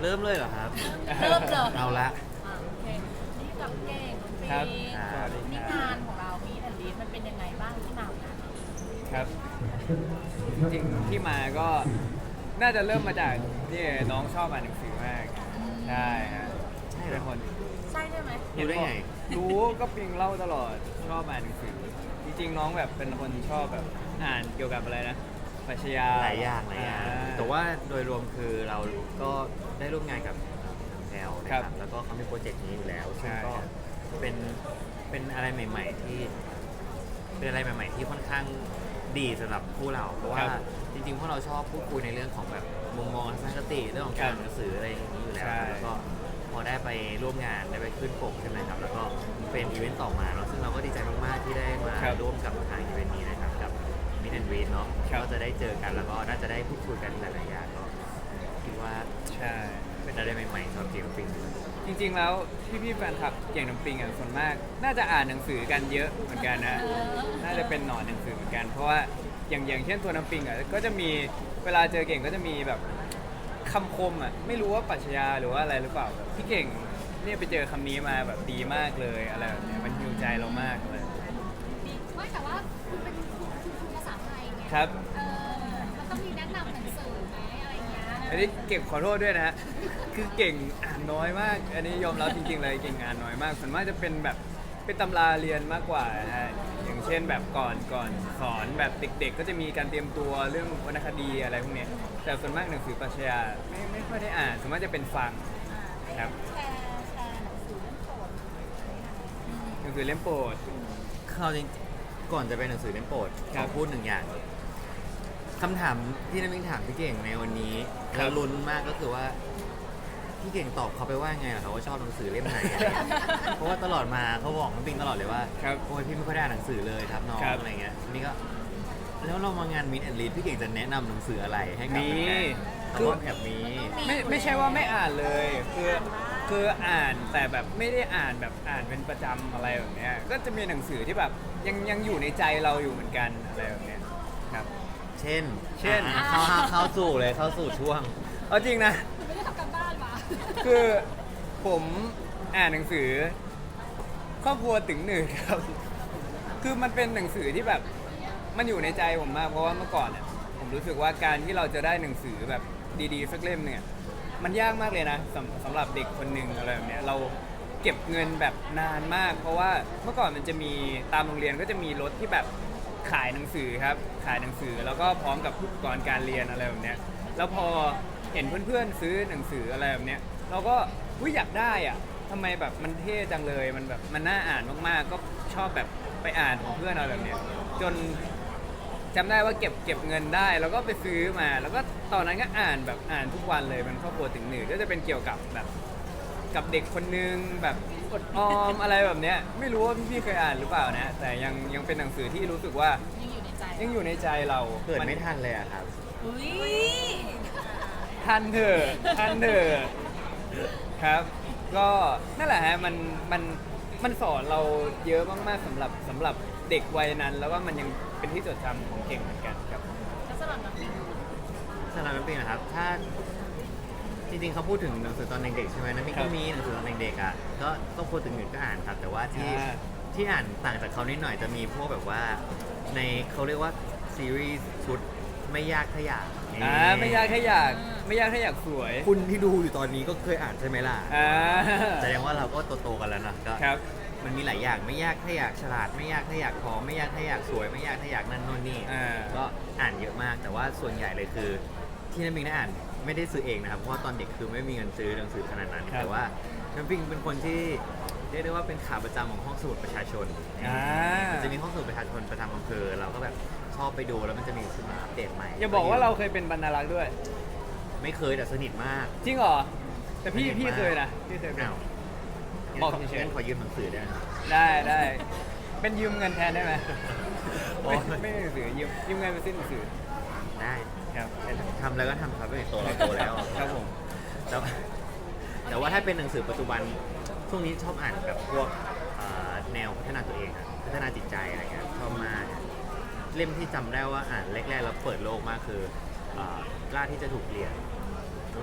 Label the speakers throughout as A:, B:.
A: เริ่มเลยเหรอครับ
B: เริ่มเลย
A: เอาละ
B: โอเคนี่กับเก่งน้องปี
C: ครับ
A: สวัสดีครับ
B: นี่งานของเรามีแอนลีดมันเป็นยังไงบ้างที่มาของงาน
C: ครับจริงๆที่มาก็น่าจะเริ่มมาจากที่น้องชอบอ่านหนังสือมากใช่ฮะ
A: ใช่เหรอ
C: เป็นคน
B: ใช่ไหม
A: รู้ได้ไง
C: รู้ก็ปิงเล่าตลอดชอบอ่านหนังสือจริงๆน้องแบบเป็นคนชอบแบบอ่านเกี่ยวกับอะไรนะปรัชญา
A: หลายอย่างแต่ว่าโดยรวมคือเราก็ได้ร่วมงานกับแพลวนะครับแล้วก็เขามีโปรเจกต์นี้อยู่แล้วซึ่งก็เป็นเป็นอะไรใหม่ ๆ ที่เป็นอะไรใหม่ ๆ ที่ค่อนข้างดีสำหรับผู้เราเพราะว่าจริงๆพวกเราชอบพูดคุยในเรื่องของแบบมุมมองทัศนคติเรื่องของการอ่านหนังสืออะไรอย่างนี้อยู่แล้วแล้วก็พอได้ไปร่วมงานได้ไปขึ้นปกใช่ไหมครับแล้วก็เป็นอีเวนต์ต่อมาเนาะซึ่งเราก็ดีใจมากๆที่ได้มาร่วมกับทางอีเวนต์นี้นะครับกับมิสแอนด์วีเนาะก็จะได้เจอกันแล้วก็น่าจะได้พูดคุยกันหลายๆอย่างก็คิดว่า
C: ใช่
A: เป็นอะไรใหม่ๆสำหรับเจมส์ปิง
C: จริงๆแล้วพี่ๆแฟนคลับเก่งน้ำปิงอ่ะส่วนมาก น่าจะอ่านหนังสือกันเยอะเหมือนกันนะน่าจะเป็นหนอนหนังสือเหมือนกันเพราะว่าอย่างเช่นตัวน้ำปิงอ่ะก็จะมีเวลาเจอเก่งก็จะมีแบบคำคมอ่ะไม่รู้ว่าปรัชญาหรือว่าอะไรหรือเปล่าแบบพี่เก่งเนี่ยไปเจอคำนี้มาแบบดีมากเลยอะไรแบบเนี้ยมันฮิวใจเรามากเลย
D: ไม่แต่ว่าคุณเป็นคุณภาษาไทยไง
C: ครับ
D: มันต้องมีแนะนำหนังสือไหมอะไรเงี้ย
C: อันนี้เก่งขอโทษด้วยนะฮะคือเก่งอ่านน้อยมาก อันนี้ยอมรับจริงๆเลยเก่งอ่านน้อยมากส่วนมากจะเป็นแบบเป็นตำราเรียนมากกว่านะฮะอย่างเช่นแบบก่อนสอนแบบเด็กๆ ก็จะมีการเตรียมตัวเรื่องวรรณคดีอะไรพวกเนี้ยแต่ส่วนมากหนังสือปรัชญาไม่ค่อยได้อ่านส่วนมากจะเป็นฟังครับ
D: แชร์หนังสือเล่มโปรด
C: หนังสือเล่มโปรด
A: เขาจริงก่อนจะเป็นหนังสือเล่มโปรด
C: ครั
A: ข
C: บ
A: อพูดหนึ่งอย่างคำถามที่น้ำมิงถามพี่เก่งในวันนี้
C: ครั
A: แล้
C: บ
A: วลุ้นมากก็คือว่าพี่เก่งตอบเขาไปว่าไงล่ะครับว่าชอบหนังสือเล่มไหนอะไรเงี้ย เพราะว่าตลอดมาเขาบอกน้ำปิงตลอดเลยว่า
C: ครับ
A: โอ้ยพี่ไม่ค่อยได้อ่านหนังสือเลยครับน้อง
C: ครับ
A: อะไรเงี้ยนี่ก็แล้วเรามางานมินแอนลีดพี่เก่งจะแนะนำหนังสืออะไรให้กับ
C: มี
A: แฟนๆเขาว่าแบบมี
C: ไม่ใช่ว่าไม่อ่านเลยคืออ่านแต่แบบไม่ได้อ่านแบบอ่านเป็นประจำอะไรแบบเนี้ยก็จะมีหนังสือที่แบบยังอยู่ในใจเราอยู่เหมือนกันอะไรแบบเนี้ยครับ
A: เช่น
C: เช่น
A: เข้าสู่เลยเข้าสู่ช่วง
C: เอาจริงนะ
D: คุณไม่ได้ทำการบ้านมา
C: คือผมอ่านหนังสือครอบครัวถึงหนึ่งครับ คือมันเป็นหนังสือที่แบบมันอยู่ในใจผมมากเพราะว่าเมื่อก่อนเนี่ยผมรู้สึกว่าการที่เราจะได้หนังสือแบบดีๆสักเล่มเนี่ยมันยากมากเลยนะสำหรับเด็กคนหนึ่งอะไรแบบเนี้ยเราเก็บเงินแบบนานมาก เพราะว่าเมื่อก่อนมันจะมีตามโรงเรียนก็จะมีรถที่แบบขายหนังสือครับขายหนังสือแล้วก็พร้อมกับอุปกรณ์การเรียนอะไรแบบเนี้ยแล้วพอเห็นเพื่อนๆซื้อหนังสืออะไรแบบเนี้ยเราก็อยากได้อ่ะทำไมแบบมันเท่จังเลยมันแบบมันน่าอ่านมากๆก็ชอบแบบไปอ่านของเพื่อนอะไรแบบเนี้ยจนจำได้ว่าเก็บเงินได้แล้วก็ไปซื้อมา แล้วก็ตอนนั้นก็อ่านแบบอ่านทุกวันเลยมันครอบครัวถึงหนึ่งก็จะเป็นเกี่ยวกับแบบกับเด็กคนนึงแบบอดออมอะไรแบบเนี้ยไม่รู้ว่าพี่ๆเคยอ่านหรือเปล่านะแต่ยังเป็นหนังสือที่รู้สึกว่า
B: ยังอยู่ในใจ
C: ยังอยู่ในใจเรา
A: เกิดไม่ทันเลยอะครับ
B: อุ้ย
C: ทันเถอะครับ ก็นั่นแหละฮะมันสอนเราเยอะมากๆสำหรับเด็กวัยนั้น แล้วก็มันยังเป็นที่จดจำของเก่งเหมือนกันครับ
B: แล้วสำหรับน้องปี
A: สำหรับน้ำปิงนะครับ ถ้าจริงๆเขาพูดถึงหนังสือตอนเด็กๆใช่ไหมน้ำปิง
C: ครั
A: ก็
C: บ
A: มีหนังสือตอนเด็กๆอ่ะก็ต้องพูดถึงหนึ่งก็อ่านครับ แต่ว่าที่
C: อ่า
A: ที่อ่านต่างจากเขานิดหน่อยจะมีพวกแบบว่าในเขาเรียกว่าซีรีส์ชุดไม่ยากถ้าอยาก
C: ไม่ยากแค่อยากไม่ยากแค่อยากสวย
A: คุณที่ดูอยู่ตอนนี้ก็เคยอ่านใช่ไหมล่ะ
C: อ่า
A: แสดงว่าเราก็โตๆกันแล้วนะก็
C: ครับ
A: มันมีหลายอย่างไม่ยากถ้าอยากฉลาดไม่ยากถ้าอยากพร้อมไม่ยากถ้าอยากสวยไม่ยากถ้าอยากนั่นโน่นนี่
C: อ่า
A: ก็อ่านเยอะมากแต่ว่าส่วนใหญ่เลยคือที่น้ำปิงได้อ่านไม่ได้ซื้อเองนะครับเพราะว่าตอนเด็กคือไม่มีเงินซื้อหนังสือขนาดนั้น
C: ครับ
A: แต่ว่าน้ำปิงเป็นคนที่เรียกได้ว่าเป็นขาประจำของห้องสมุดประชาชน
C: อ่า
A: มันจะมีห้องสมุดประชาชนประจำอำเภอเราก็แบบชอบไปดูแล้วมันจะมีสื่อมาอัปเดตใหม่
C: อย่าบอกว่าเราเคยเป็นบรรณารักษ์ด้วย
A: ไม่เคยแต่สนิทมาก
C: จริงเหรอ แต่พี่
A: สนิทมาก
C: พี่เคยนะพี่เคยเป็น
A: อ้าว
C: บอกเฉยๆ
A: งั้นขอยืมหนังสือได้ไหม
C: ได้เป็นยืมเงินแทนได้ไหม
A: โอ๊ย
C: ไม่หนังสือยืมเงินไปซื้อหนังสือ
A: ได้
C: ครับ
A: ทำแล้วก็ทำครับไม่โตเราโตแล้ว
C: ครับผม
A: แต่ว่าถ้าเป็นหนังสือปัจจุบันช่วงนี้ชอบอ่านแบบพวกแนวพัฒนาตัวเองอะพัฒนาจิตใจอะไรเงี้ยชอบมากเล่มที่จำได้ว่าอ่านแรกๆแล้วเปิดโลกมากคือกล้าที่จะถูกเรียนรู้สึกว่ามัน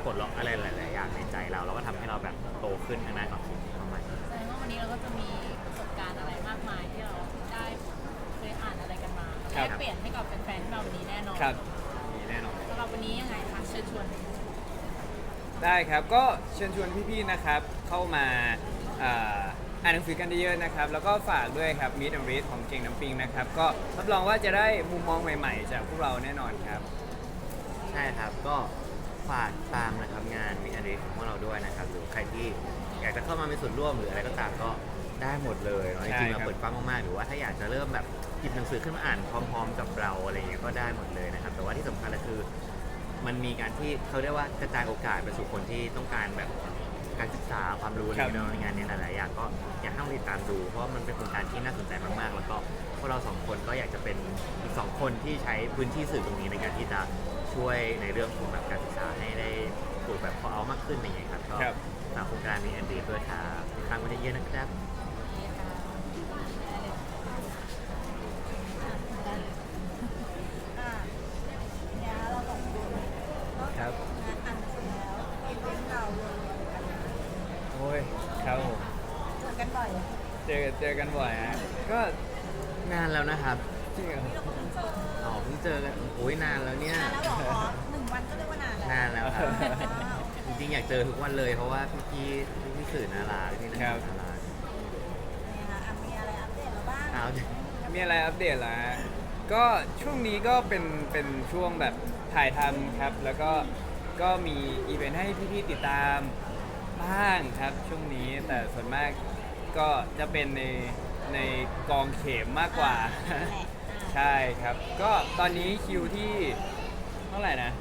A: ปลดล็อกอะไรหลายๆอย่างในใจเราแล้วก็ทำให้เราแบบโตขึ้นทางด้านความคิดประมาณนี้
B: แสดงว่าวันนี้เราก็จะมีประสบการณ์อะไรมากมายที่เราได้เคยอ่านอะไรกันมา
C: ครั
B: ได้
C: บ
B: เปลี่ยนให้กับแฟนๆที่มาวันนี้แน่นอน
C: ครับมีแน่นอน
B: สำหรับวันนี้ยังไงคะเชิญชวน
C: ได้ครับก็เชิญชวนพี่ๆนะครับเข้ามาอ่านหนังสือกันเยอะๆนะครับแล้วก็ฝากด้วยครับ Meet and Read ของเก่งน้ำปิงนะครับก็รับรองว่าจะได้มุมมองใหม่ๆจากพวกเราแน่นอนครับ
A: ใช่ครับก็ฝากตามนะครับงานมิอันนี้ของพวกเราด้วยนะครับหรือใครที่อยากจะเข้ามามีส่วนร่วมหรืออะไรก็ตามก็ได้หมดเลยเนาะจ
C: ใช่
A: ริงๆ
C: ครั
A: เรา
C: บ
A: เปิดกว้างมากๆหรือว่าถ้าอยากจะเริ่มแบบหยิบหนังสือขึ้นมาอ่านพร้อม ๆ กับเราอะไรเงี้ยก็ได้หมดเลยนะครับแต่ว่าที่สำคัญก็คือมันมีการที่เขาเรียกว่ากระจายโอกาสไปสู่คนที่ต้องการแบบการศึกษาความรู้ในงานนี้หลายๆอย่างก็อยากให้มาติดตามดูเพราะมันเป็นโครงการที่น่าสนใจมากๆ แล้วก็พวกเราสองคนก็อยากจะเป็นอีกสองคนที่ใช้พื้นที่สื่อตรงนี้ในการที่จะช่วยในเรื่องของแบบการศึกษาให้ได้ปลูกแบบพอเอามากขึ้นอย่างเงี้ยครับก็
C: ครับ
A: ฝากโครงการมีอันดีด้วยครับครั้งวันนี้เยอะนะครับ
B: เนี่ยเราสองคน
C: ครับ
B: งานอ่านเสร็จแล้วอีเวนต์เราเลย
C: โอ้ยครับผม
B: เจอกันบ่อย
C: เจอกันบ่อยฮะก็
A: นานแล้วนะครับ
C: จริงเหรอ
B: เราก็เพิ่งเจอ
A: อ๋อเพิ่งเจอกันโอ้ยนานแล้วเนี่ย
B: นานแล้วเหรอ1 วันก็เรียกว่านานแล้ว
A: นานแล้วครับจริงๆอยากเจอทุกวันเลยเพราะว่าพี่สื่อน่ารักพี่นักข่าวน่ารัก
B: มีอะไรอัปเดตเราบ้าง
A: อ้าว
C: มีอะไรอัปเดตล่ะฮะก็ช่วงนี้ก็เป็นช่วงแบบถ่ายทำครับ แล้วก็มีอีเวนต์ให้พี่ๆติดตามบ้างครับช่วงนี้แต่ส่วนมากก็จะเป็นในกองเข็มมากกว่า ใช่ครับ ก็ตอนนี้คิวที่เท่าไหร่นะ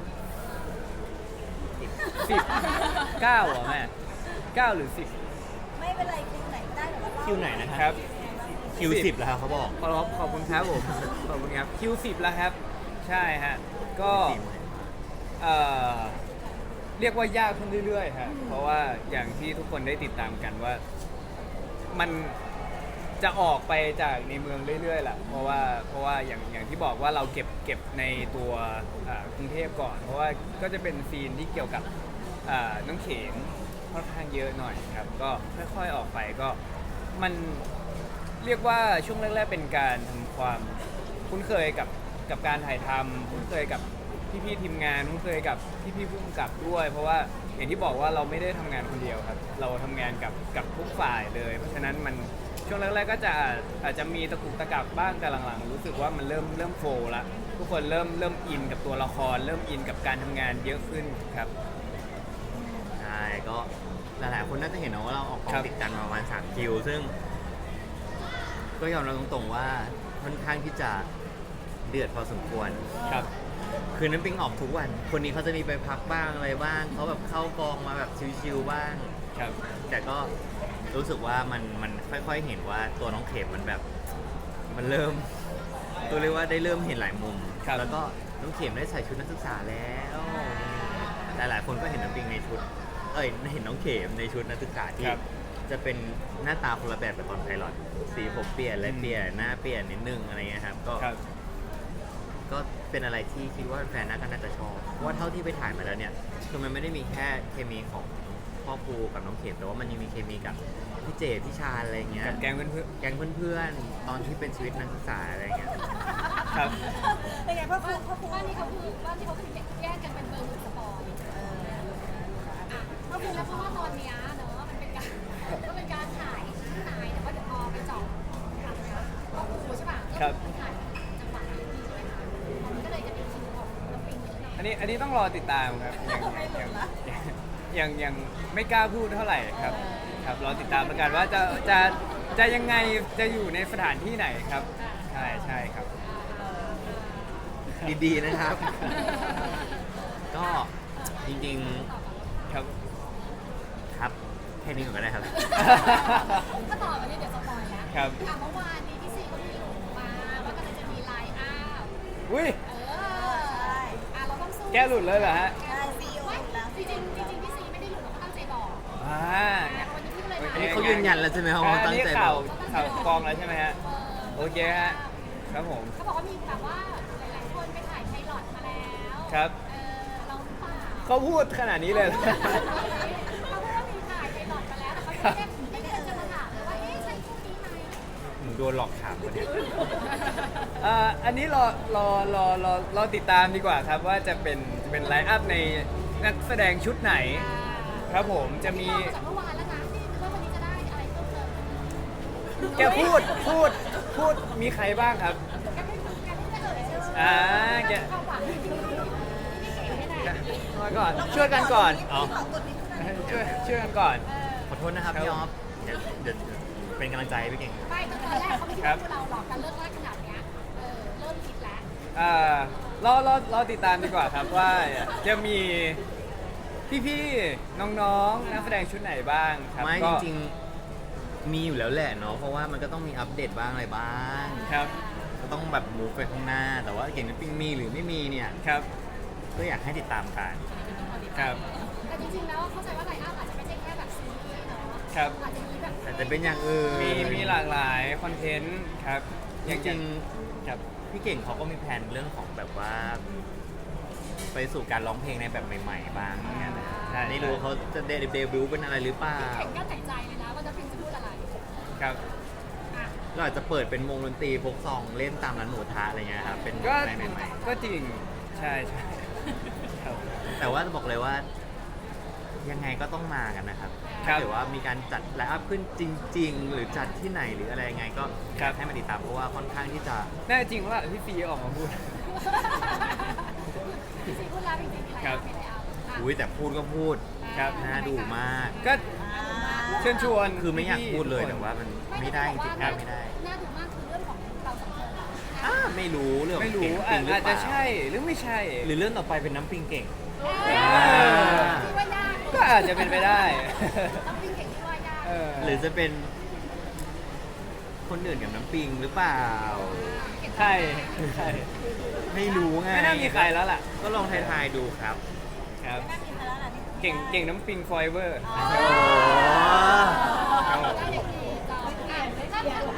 C: 10 9เหรอแม่9หรือ10
B: ไม่เป็นไรคิวไหนก็ได้เดี๋ยวเรา
A: คิวไหนนะ
C: ค
A: ค
C: รั
A: รับ บคิว10แล้วครับเขาบอก
C: ขอบคุณครับผม ขอบคุณครับคิว10แล้วครับ ใช่ฮะก็ เอ่อเรียกว่ายากขึ้นเรื่อยๆฮะเพราะว่าอย่างที่ทุกคนได้ติดตามกันว่ามันจะออกไปจากในเมืองเรื่อยๆแหละเพราะว่าอย่างที่บอกว่าเราเก็บในตัวกรุงเทพก่อน เพราะว่าก็จะเป็นซีนที่เกี่ยวกับน้องเข็มค่อนข้างเยอะหน่อยครับก็ค่อยๆออกไปก็มันเรียกว่าช่วงแรกๆเป็นการทำความคุ้นเคยกับการถ่ายทำคุ้นเคยกับพี่ๆทีมงานคุ้นเคยกับพี่ๆผู้กำกับด้วย เพราะว่าอย่างที่บอกว่าเราไม่ได้ทำงานคนเดียวครับเราทำงานกับทุกฝ่ายเลย เพราะฉะนั้นมันช่วงแรกๆก็อาจจะมีตะกุกตะกักบ้างแต่หลังๆรู้สึกว่ามันเริ่มโฟล์ละทุกคนเริ่มอินกับตัวละคร เริ่มอินกับการทำงานเยอะขึ้นครับ
A: ใช่ก็หลายๆคนน่าจะเห็นนะว่าเราออกกอ
C: ครั
A: ง
C: บ
A: ติดกันมาประมาณ3คิวซึ่ง ก็ยอมรับตรงๆว่าค่อนข้างที่จะเดือดพอสมควร
C: ครับ
A: คือน้ำปิงออกทุกวัน คนนี้เขาจะมีไปพักบ้างอะไรบ้างเขาแบบเข้ากองมาแบบชิวๆบ้าง
C: ครับ
A: แต่ก็รู้สึกว่ามันค่อยๆเห็นว่าตัวน้องเข็มมันแบบมันเริ่มตัวเรียกว่าได้เริ่มเห็นหลายมุม
C: ครับ
A: แล้วก็น้องเข็มได้ใส่ชุดนักศึกษาแล้วแต่หลายคนก็เห็นน้ำปิงในชุดเห็นน้องเข็มในชุดนักศึกษาที่
C: ครับ
A: จะเป็นหน้าตาคนละแบบกับตอนไพลอตสีผมเปลี่ยนอะไรเปลี่ยนหน้าเปลี่ยนนิดนึงอะไรเงี้ยครับก็
C: ครับ
A: ก็เป็นอะไรที่คิดว่าแฟนน่าก็น่าจะชอบเพราะว่าเท่าที่ไปถ่ายมาแล้วเนี่ยคือมันไม่ได้มีแค่เคมีของพ่อครูกับน้องเข็มแต่ว่ามันยังมีเคมีกับพี่เจพี่ชาญอะไรเงี้ย
C: กับแก๊งเพื่อน
A: แก๊งเพื่อนๆตอนที่เป็นชีวิตนักศึกษาอะไรเงี้ย
C: ๆครับ
B: เป็นไงพ่อครู
D: บ้านที่เขาคือแยกกันเป็นเบอร์หนึ่งสปอยก็คือแล้วเพราะว่าตอนเนี้ยเนอะมันเป็นการถ่ายข้างในแต่ว่าเดี๋ยวพอไปเจาะก็ครูใช่ป่ะก็ถ่ายจังหวะนี้ใช่ไหมคะมันก็เลยจะเป็นคิวของน้ำปิงเยอะหน่อย
C: อันนี้ต้องรอติดตามครับยังไม่กล้าพูดเท่าไหร่ครับครับรอติดตามแล้วกันว่าจะยังไงจะอยู่ในสถานที่ไหนครับใช่ครับ
A: ดีๆนะครับ ก็จริง
C: ครับ
A: ๆครับแค่นี้ก่อนก็ได้ครับ
D: ถ้าต่อวันนี้เดี๋ยวสปอยแล้ว
C: ครับ
D: เมื่อวานนี้พี่ซีก็มีหลุมมาว่ากำลังจะมีไลน์อัพ
C: อุ้ย
D: เราต้องสู้
C: แก้หลุดเลยเหรอฮะ
B: ได้ซีโอ
D: ไม่
B: แล้ว
D: จริงๆพี่ซีไม่ได้หลุดเราก็ตั้งใจบอก
C: อ่า
D: วันนี้พี่ก็เลย
A: อันนี้เขายืนยันแล้วใช่ไหมครับว่าตั้งใจ
C: ข่าว
A: บอก
C: ข่าวกองแล้วใช่ไหมฮะโอเคฮะครับผม
D: เขาบอกว่ามีแบบว่าหลายๆคนไปถ่ายไพลอตมาแล้ว
C: ครับ
D: เราหรือเปล่า
C: เขาพูดขนาดนี้เลย
D: เขาพูดว่ามีถ่ายไปหลอดมาแล้วแต่เขาไม่ได้จะมาถามเลยว่าเอ๊ะใช่คู่นี้ไหม
A: หนูโดนหลอกถามคนเนี้ย
C: อันนี้รอติดตามดีกว่าครับว่าจะเป็นไลน์อัพในนักแสดงชุดไหน ครับผมจะมี
D: ที่บอกมาจากเมื่อวานแล้วนะที่ว่าวันนี้จะได้อะไรเพิ่มเติม
C: แกพูดมีใครบ้างครับ
D: แกไม่เอ่ยชื่อ
C: อ่าแก
D: ความหวังที่พี่เก๋ให้ได้
C: มาก่อนช่วยกันก่อน
A: อ๋อ
C: ช่วยกันก่อน
A: ขอโทษนะครับพี่ออฟเดี๋ยวเป็นกำลังใจให้พี่เก่ง
D: ไม่ตอนแรกเขาไม่คิดว่าพวกเราหลอกกันเลิกลากขนาดเนี้ยเริ่มคิดแล้ว
C: รอติดตามดีกว่าครับว่าจะมีพี่ๆน้องๆนักแสดงชุดไหนบ้างครับ
A: ไม่
C: ก็
A: จริงๆมีอยู่แล้วแหละเนาะเพราะว่ามันก็ต้องมีอัปเดตบ้างอะไรบ้าง
C: ครับ
A: ก็ต้องแบบมูฟไปข้างหน้า แต่ว่าเก่งน้ำปิงมีหรือไม่มีเนี่ย
C: ครับ
A: ก็อยากให้ติดตามกัน
C: ครับ
D: แต่จริงๆแล้วเข้าใจว่าไลน์อัพอาจจะไม่ใช่แค่แบบซีรีส์เนาะ
C: ครับ
D: อาจจะมีแบบ
A: แต่จะเป็นอย่างอื่น
C: มีหลากหลายคอนเทนต์ครับ
A: จริง
C: ครับ
A: ๆพี่เก่งเขาก็มีแผนเรื่องของแบบว่า ไปสู่การร้องเพลงในแบบใหม่ๆบ้างเหมือนกันนะ
C: ใช่
A: ไม่รู้เขาจะเดบิวต์เป็นอะไรหรือเปล่า
D: แข่งกันหายใจเลยนะว่าจะพิมพ์จะพูดอะไร
C: ครับ
D: อ่ะ
A: เราอาจจะเปิดเป็นวงดนตรีพกซองเล่นตามร้านหมูทะอะไรเงี้ยครับเป็น
C: ก็
A: อะไรใหม่
C: ก็จริงใช่ครับ
A: ๆแต่ว่าจะบอกเลยว่า ยังไงก็ต้องมากันนะครับ
C: ครั
A: ถ้า
C: บ
A: เกิดว่ามีการจัดไลฟ์อัพขึ้นจริง ๆ หรือจัดที่ไหนหรืออะไรยังไงก็อยากให้มาติดตามเพราะว่าค่อนข้างที่จะ
C: แน่จริงว่าพี่ฟีออกมาพูด
D: พี่ซีพูดแล้วจริงๆมีไลน์
C: ครั
D: อั
C: บ
D: พไม่ได้เอาอ่ะ
A: อุ้ยแต่พูดก็พูด
C: ครับ
A: น่าดูมาก
C: ก็เชิญชวน
A: คือไม่อยาก
C: พี่ๆ
A: พูดเลย
C: ทุกคน
A: แต่ว่ามันไม่ได้จริงๆ
D: ครั
A: ไม่ได้
D: น่าดูมากคือเรื่องของเราสองคนอะ
A: ไม่รู้เรื่องของ
C: ไม่รู้
A: เก่งปิงหรือ
C: อาจ
A: เป
C: จะ
A: ล่า
C: ใช่หรือไม่ใช่
A: หรือเรื่องต่อไปเป็นน้ำปิงเก่ง
D: ที่ว่ายาก
C: ก็อาจจะเป็นไปได้
D: ต้องวิ่งเก่งที่ว่ายาก
C: เออ
A: หรือจะเป็นคนอื่นกับน้ำปิงหรือเปล่า
C: ใช่ใช่
A: ไม่รู้ไง
C: ไม่น่ามีใครแล้วล่ะ
A: ก็ลองทายๆดูครับ
C: ครับ
D: น่ามีมาแล้วล่ะนี่
C: เก่งน้ำปิงฟอยเวอร์
A: โอ้
C: ครับผม
D: ได้อย่างดีจอมอ่ะถ้าในเรื่อง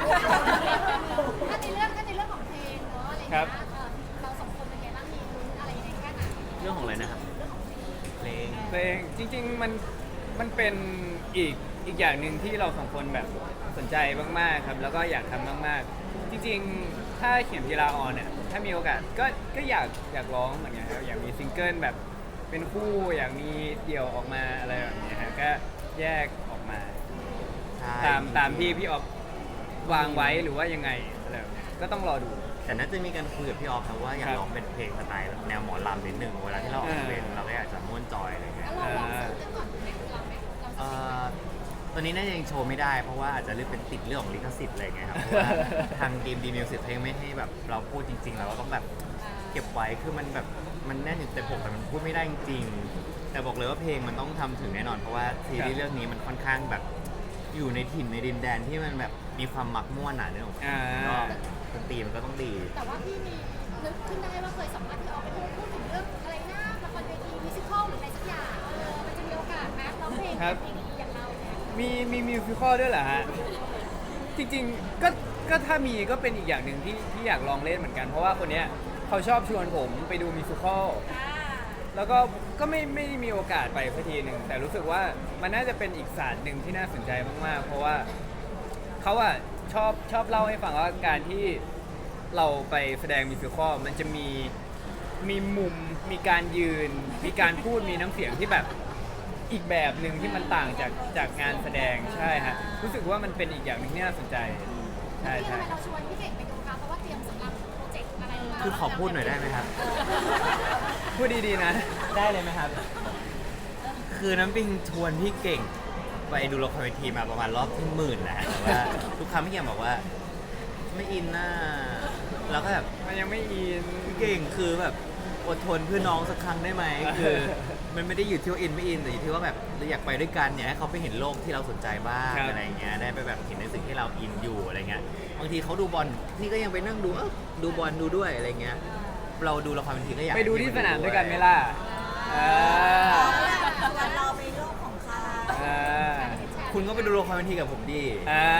D: ของเพลงเนาะอะไรอย่างเงี้ยเราสองคนเป็นไงบ้างมีลุ้นอะไรยังไงแค่ไหน
A: เรื่องของอะไรนะครับ
D: เรื่องของเพลง
A: เพลง
C: เพลงจริงๆมันเป็นอีกอย่างหนึ่งที่เราสองคนแบบสนใจมากๆครับ แล้วก็อยากทำมากๆ จริงๆ ถ้าเขียนกีฬาออนเนี่ยถ้ามีโอกาสก็อยากร้องเหมือนกันครับอยากมีซิงเกิลแบบเป็นคู่อยากมีเดี่ยวออกมาอะไรแบบนี้ฮะก็แยกออกมา
A: ใช่
C: ตามที่พี่ออฟวางไว้หรือว่ายังไงอะไรแบบเนี้ยก็ต้องรอดู
A: แต่น่าจะมีการคุยกับพี่ออฟนะว่าอยาก
C: ครับ
A: ร้องเป็นเพลงสไตล์แบบแนวหมอลำนิดนึงเวลาที่เราออกเพลงเราก็อยากจะม่วนจอยอะไรเงี้ย
D: แล้วเราลองซื้อกันก่อนไหมเราไหมเรา
A: เอ่
D: จะ
A: อตอนนี้น่าจะยังโชว์ไม่ได้เพราะว่าอาจจะเรื่องเป็นติดเรื่องของลิขสิทธิ์อะไรเงี้ยครับเพราะว่าทางดีมดีมิวสิกเพลงไม่ให้แบบเราพูดจริงๆเราก็ต้องแบบเก็บไว้คือมันแบบมันแน่นอยู่แต่ผมแต่มันพูดไม่ได้จริงๆแต่บอกเลยว่าเพลงมันต้องทำถึงแน่นอนเพราะว่าซีรีส์เรื่องนี้มันค่อนข้างแบบอยู่ในถิ่นในดินแดนที่มันแบบมีความมักม่วนหนาเนื้อของ
C: อ่า
A: ก็ดนตรีมันก็ต้องดี
D: แต่ว่าพี่มีนึกขึ้นได้ว่าเคยสัมภาษณ์พี่ออกไปพูดถึงเรื่องอะไรนะละครเวทีมิวสิควลหรืออะไรสักอย่างมันจะมีโอกาสไหมร้องเพลงดีๆอย่างเราเนี่ย
C: มีมิวสิคอลด้วยเหรอฮะ จริงๆก็ถ้ามีก็เป็นอีกอย่างหนึ่งที่อยากลองเล่นเหมือนกัน เพราะว่าคนเนี้ยเขาชอบชวนผมไปดูมิวสิคอลแล้วก็ไม่ได้มีโอกาสไปสักทีหนึ่งแต่รู้สึกว่ามันน่าจะเป็นอีกศาสตร์หนึ่งที่น่าสนใจมากๆ เพราะว่าเขาอะชอบเล่าให้ฟังว่าการที่เราไปแสดงมิวสิคอลมันจะมีมุมมีการยืน มีการพูดมีน้ำเสียงที่แบบอีกแบบหนึ่งที่มันต่างจากงานแสดงใช่ฮะรู้สึกว่ามันเป็นอีกอย่างหนึ่งที่น่าสนใจใช่
D: ที่
C: ใช่
D: ทำไมเราชวนพี่เก่งไปดูคะเพราะว่าเตรียมสำหรับโปรเจกต์อะไรหรืเปล่า
A: คือขอพูดหน่อยได้ไหมครับ
C: พูดดีๆนะ
A: ได้เลยไหมครับ คือน้ำปิงชวนพี่เก่งไปดูละครเวทีมาประมาณรอบที่10,000แล้วแต่ว่าทุกครั้งพี่เก่งบอกว่า ไม่อินน่าแล้วก็แบบ
C: มันยังไม่อิน
A: พี่เก่งคือแบบอดทนเพื่อน้องสักครั้งได้ไหมคือมันไม่ได้อยู่ที่ว่าอินไม่อินแต่อยู่ที่ว่าแบบเราอยากไปด้วยกันอยากให้เขาไปเห็นโลกที่เราสนใจบ้าง
C: ครับ
A: อะไรเงี้ยได้ไปแบบเห็นในสิ่งที่เราอินอยู่อะไรเงี้ยบางทีเขาดูบอลนี่ก็ยังไปนั่งดูดูบอลดูด้วยอะไรเงี้ยเราดูละครเวทีก็อยาก
C: ไปดูที่สนามด้วยกันไหมล่ะอ่า
E: เราไปโลกของเขา
C: อ่า
A: คุณก็ไปดูละครเวทีกับผมดี
C: อ่าร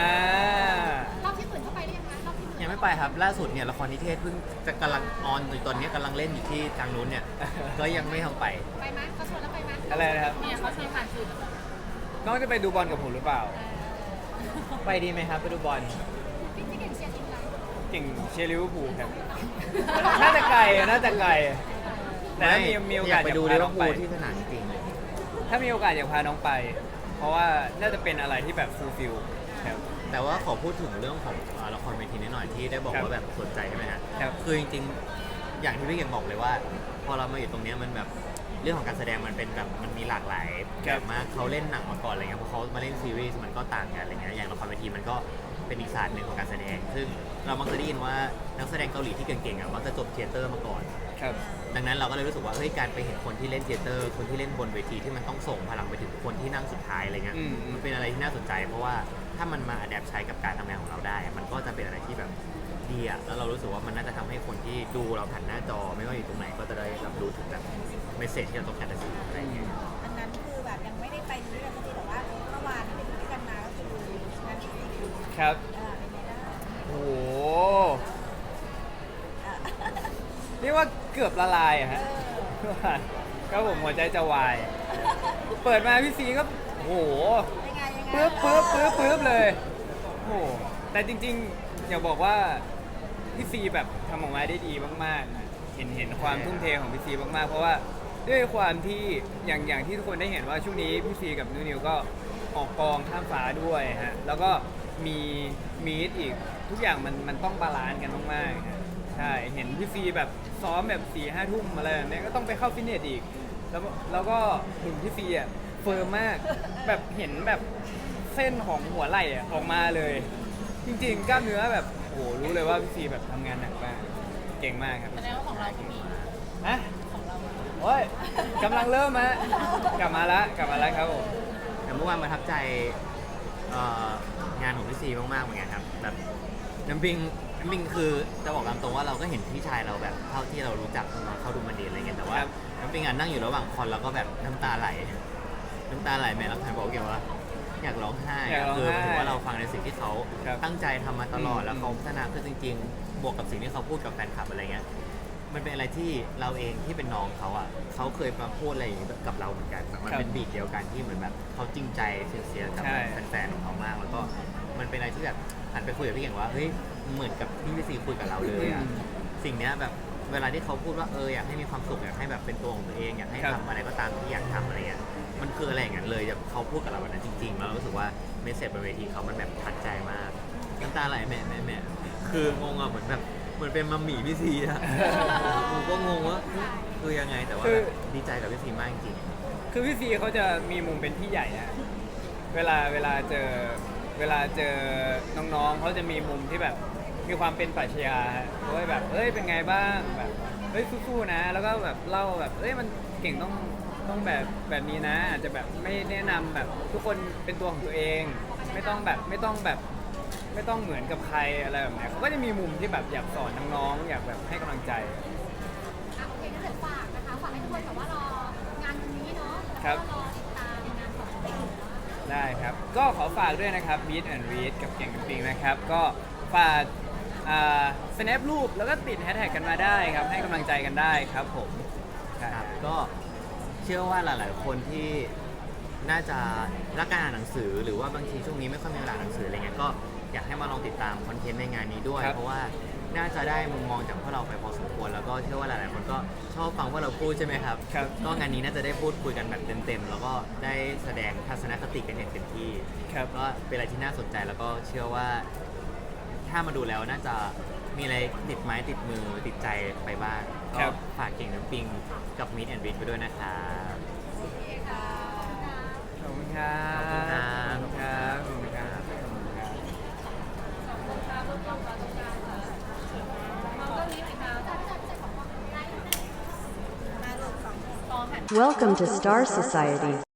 D: อบที่อื่นเข้าไปหรือยังคะรอบที่อื่น
A: ยังไม่ไปครับล่าสุดเนี่ยละครนิเทศเพิ่งจะกำลังออนอยู่ตอนนี้กำลังเล่นอยู่ที่ทางนู้นเนี่ย ก็ยังไม่ทำไป
D: ไปไหมเขาชวน
C: อะไรนะครับ
B: เนี่ยเขาชวนผ่านสื่อ
C: น้องจะไปดูบอลกับผมหรือเปล่า
A: ไปดีไหมครับไปดูบอล
D: พี่เก่งเชียร์ทีมอะไร
C: เก่งเชียร์ลิเวอร์พูลครับ น่าจะไกลแต่ถ้ามีโอกาส
A: ไปดู
C: จะ
A: ลิ
C: พา
A: เว
C: น้
A: อ
C: อง
A: ร์พู
C: ไป
A: ลที่สนามจริงเลย
C: ถ้ามีโอกาสอยากพาน้องไป เพราะว่าน่าจะเป็นอะไรที่แบบฟูลฟิลครับ
A: แต่ว่าขอพูดถึงเรื่องของละครเวทีนิดหน่อยที่ได้บอก
C: ครับ
A: ว่าแบบสนใจใช่ไหมฮะ
C: ครับ
A: คือจริงๆ อย่างที่พี่เก่งบอกเลยว่า พอเรามาอยู่ตรงเนี้ยมันแบบเรื่องของการแสดงมันเป็นแบบมันมีหลากหลายแบบมากเขาเล่นหนังมาก่อนอะไรเงี้ยพอเขามาเล่นซีรีส์มันก็ต่างกันอะไรเงี้ยอย่างละครเวทีมันก็เป็นอีกศาสตร์หนึ่งของการแสดง ซึ่งเรามักจะได้ยินว่านักแสดงเกาหลีที่เก่งๆอ่ะมักจะจบเทยเตอร์มาก่อน
C: ครับ
A: ดังนั้นเราก็เลยรู้สึกว่าเฮ้ยการไปเห็นคนที่เล่นเทยเตอร์คนที่เล่นบนเวทีที่มันต้องส่งพลังไปถึงคนที่นั่งสุดท้ายอะไรเงี้ย
C: อืม
A: มันเป็นอะไรที่น่าสนใจ เพราะว่าถ้ามันมาอัดแอปใช้กับการทำงานของเราได้ มันก็จะเป็นอะไรที่แบบดีอะแล้วเรารู้สึกว่ามันน่าจะทำให้คนที่ดูเราผ่านหน้าจอไม่ว่าอยู่ตรงไหนก็จะได้รับรู้ถึงแบบเมสเซจที่เราต้องการจะสื่ออะไรอย่างเงี้ย
E: อันนั้นคือแบบยังไม่ได้ไปดูด้วยกันสักทีแต่ว่าเมื่อวานที่ไปดูด้วยกันมาก็คือนั่นสิ
C: ครับ
E: เป็นไงบ้าง
C: โอ้โหเรียกว่าเกือบละลายอะฮะก็ผมหัวใจจะวาย เปิดมาพี่ซีก็โอ้โห
E: ยังไงยังไง
C: ปึ๊บเลย โอ้โหแต่จริงๆ อยากบอกว่าพี่ซีแบบทำออกมาได้ดีมากๆนะเห็นความทุ่มเทของพี่ซีมากๆ เพราะว่าด้วยความที่อย่างที่ทุกคนได้เห็นว่าช่วงนี้พี่ซีกับนิวก็ออกกองข้ามฟ้าด้วยฮะ แล้วก็มีมีดอีกทุกอย่างมันต้องบาลานซ์กันมากๆฮะใช่ เห็นพี่ซีแบบซ้อมแบบ4-5 ทุ่มอะไรแบบนี้ก็ต้องไปเข้าฟิตเนสอีก แล้วก็หุ่นพี่ซีอ่ะเฟิร์มมาก แบบเห็นแบบเส้นของหัวไหล่อะออกมาเลย จริงๆกล้ามเนื้อแบบโอ้โหรู้เลยว่าพี่ซีแบบทำงานหนักมากเก่งมากครับ
B: แสดงว่าของเราก็มี
C: ฮะ
B: ของเรา
C: โอ้ยกำลังเริ่มฮะกลับมาแล้วครับผม
A: แต่เมื่อวานประทับใจงานของพี่ซีมากๆเหมือนกันครับแบบน้ำปิงคือจะบอกตามตรงว่าเราก็เห็นพี่ชายเราแบบเท่าที่เรารู้จักเขาดูมันดีอะไรเงี้ยแต่ว่า
C: ครับ
A: น้ำปิงนั่งอยู่ระหว่างคอนแล้วก็แบบน้ำตาไหลแม่รักใครบอกเกี่ยวว่าอยากร้องไห้
C: อยากร้องไห้
A: คือหมายถึงว่าเราฟังในสิ่งที่เขา
C: ครับ
A: ตั้งใจทำมาตลอด
C: อืม
A: แล้วเขาพัฒนาขึ้นจริงๆ บวกกับสิ่งที่เขาพูดกับแฟนคลับอะไรเงี้ยมันเป็นอะไรที่เราเองที่เป็นน้องเขาอ่ะเขาเคยมาพูดอะไรอย่างนี้กับเราเหมือนกันแบบมันเป็นบีทเดียวกันที่เหมือนแบบเขาจริงใจเสียกับ
C: ใช่
A: แฟนๆของเขามาก แล้วก็มันเป็นอะไรที่แบบหันไปคุยกับพี่เก่งว่าเฮ้ยเหมือนกับที่พี่ซีคุยกับเราเลยอ่ะสิ่งเนี้ยแบบเวลาที่เขาพูดว่าอยากให้มีความสุขอยากให้แบบเป็นตัวของตัวเองอยากให้
C: ครับ
A: ทำอะไรก็ตามที่อยากทำอะไรเงี้ยมันคืออะไรอย่างนั้นเลยแบบเขาพูดกับเราแบบนั้นจริงๆแล้วเรารู้สึกว่าเมสเซจบนเวทีเขามันแบบทัดใจมากน้ำตาไหลแม่คืองงอ่ะเหมือนเป็นมัมหมี่พี่ซีอะผมก็งงว่าคือยังไงแต่ว่าแบบดีใจกับพี่ซีมากจริง
C: คือพี่ซีเขาจะมีมุมเป็นพี่ใหญ่นะเวลาเจอน้องๆเขาจะมีมุมที่แบบมีความเป็นปรัชญาฮะเฮ้ยแบบเป็นไงบ้างแบบเฮ้ยสู้ๆนะ แล้วก็แบบเล่าแบบมันเก่งต้องแบบนี้นะ อาจจะแบบไม่แนะนำแบบทุกคนเป็นตัวของตัวเองไม่ต้องเหมือนกับใครอะไรแบบเนี้ยเขาก็จะมีมุมที่แบบอยากสอนน้องๆอยากแบบให้กำลังใจ
D: โอเคก็เดี๋ยวฝากนะคะฝากให้ทุกคนแบบว่ารองานวันนี้เนาะ
C: ครั
D: แล้ว
C: บ
D: ก็รอติดตามงานของเด็ก
C: ได้ครับ ก็ขอฝากด้วยนะครับ Meet and Read กับเก่งกับปิงนะครับ ก็ฝากsnap รูปแล้วก็ติดแฮชแท็กกันมาได้ครับ ให้กำลังใจกันได้ครับผม
A: ๆครับก็เชื่อว่าหลายๆคนที่น่าจะรักการอ่านหนังสือ หรือว่าบางทีช่วงนี้ไม่ค่อยมีเวลาอ่านหนังสืออะไรเงี้ยก็อยากให้มาลองติดตามคอนเทนต์ในงานนี้ด้วย
C: ครับ
A: เพราะว่าน่าจะได้มุมมองจากพวกเราไปพอสมควรแล้วก็เชื่อว่าหลายๆคนก็ชอบฟังพวกเราพูดใช่ไหมครับ
C: ครับ
A: ก็งานนี้น่าจะได้พูดคุยกันแบบเต็มๆแล้วก็ได้แสดงทัศนคติกันอย่างเต็มที่
C: ครับ
A: ก็เป็นอะไรที่น่าสนใจแล้วก็เชื่อว่าถ้ามาดูแล้วน่าจะมีอะไรติดไม้ติดมือติดใจไปบ้าง
C: ครั
A: ก็
C: บ
A: ฝากเก่งน้ำปิงกับมิดแอนด์วิดไปด้วยนะครับ
C: ขอบคุณครับ
A: ขอบคุณครับ
C: ขอบคุณครับขอบคุณครับขอบคุณครับ
E: มาลูกสอง
B: ตองหัน
F: Welcome to Star Society.